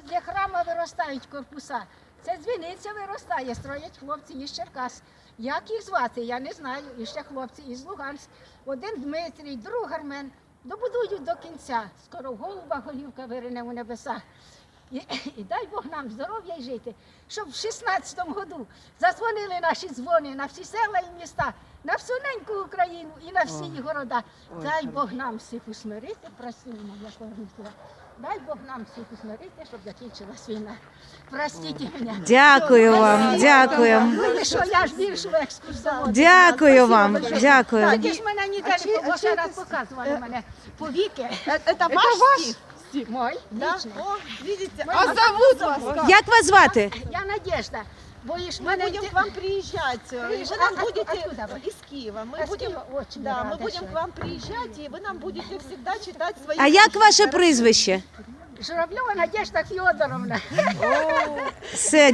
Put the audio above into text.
для храму виростають корпуса. Це дзвіниця виростає, строять хлопці із Черкас. Як їх звати, я не знаю. І ще хлопці із Луганськ. Один Дмитрій, другий Армен. Добудують до кінця. Скоро в голуба голівка вирине у небеса. І дай Бог нам здоров'я й жити, щоб в 16-му году задзвонили наші дзвони на всі села і міста, на всю неньку Україну і на всі города. Дай Бог нам всіх усмирити, просимо, я повернуся. Дай Бог нам всіх усмирити, щоб закінчилась війна. Простіть мене. Дякую вам, дякую. Ну і що, я ж більшу екскурсоводу. Дякую вам, дякую. Тоді ж мене ніде не побачили, раз показували мене повіки. Это ваш стих? Мой, лічний. О, видите, Мой а зовут вас как? Як вас звати? Я Надежда. Боїш Мы мене будем к вам приезжать, и вы нам будете Откуда вы? из Киева. Мы Из будем, Киева? Очень да, рада, мы будем что к вам приезжать, и вы нам будете всегда читать свои. А як стихи. ваше прізвище? Журавльова Надежда Федоровна. Все,